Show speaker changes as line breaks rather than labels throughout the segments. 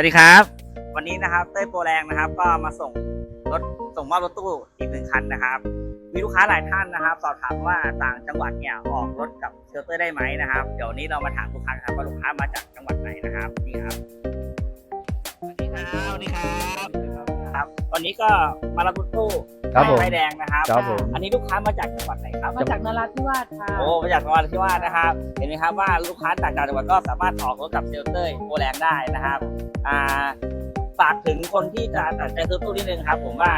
ดีครับวันนี้นะครับเต้ยโปรแรงนะครับก็มาส่งมอบรถตู้อีก1 คันนะครับมีลูกค้าหลายท่านนะครับสอบถามว่าต่างจังหวัดเนี่ยออกรถกับเชลเตอร์ได้ไหมนะครับเดี๋ยวนี้เรามาถามลูกค้าครับว่าลูกค้ามาจากจังหวัดไหนนะครับนี่ครับสวัสดีครับครับวันนี้ก็มารับรถตู้ไฟแดงนะครับอันนี้ลูกค้ามาจากจังหวัดไหนครับ
มาจากนราธิวาสค่ะ
โอ้มาจากนราธิวาสนะครับเห็นไหมครับว่าลูกค้าจากต่างจังหวัดก็สามารถออกรถกับเชลเตอร์โปรแรงได้นะครับฝากถึงคนที่จะตัดใจซื้อตู้นิดนึงครับผมว่า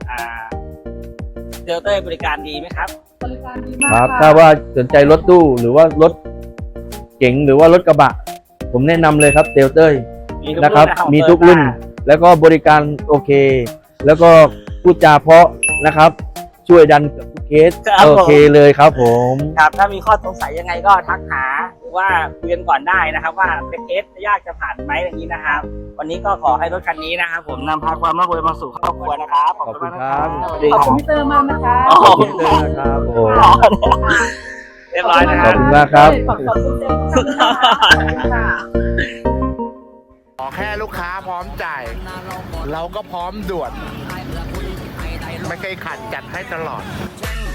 เชลเตอร์บริการดีไหมครับ
บริการดีมาก
ครับ
ค่ะ
ถ้าว่าสนใจรถตู้หรือว่ารถเก๋งหรือว่ารถกระบะผมแนะนำเลยครับเซลเตอร์นะครับมีทุกรุ่นแล้วก็บริการโอเคแล้วก็พูดจาเพราะนะครับช่วยดันกับทุกเคสโอเคเลยครับผม
ครับถ้ามีข้อสงสัยยังไงก็ทักหาหรือว่าคุยกันก่อนได้นะครับว่าเป็นเคสยากจะผ่านไหมอย่างนี้นะครับวันนี้ก็ขอให้รถคันนี้นะครับผมนำพาความร่ำรวยมาสู่ครอบครัวนะครับ
ขอบคุณครับ
ขอบคุณพี่เตอร์มากนะคะ
ขอบคุณเตอร์นะครับโอ้
เรียบร้อยนะค
ข
รั
อบคุณมากครับ
ขอบคุณเตอร์มากค่ะ
ขอแค่ลูกค้าพร้อมจ่ายเราก็พร้อมด่วนไม่เคยขัดจัดให้ตลอด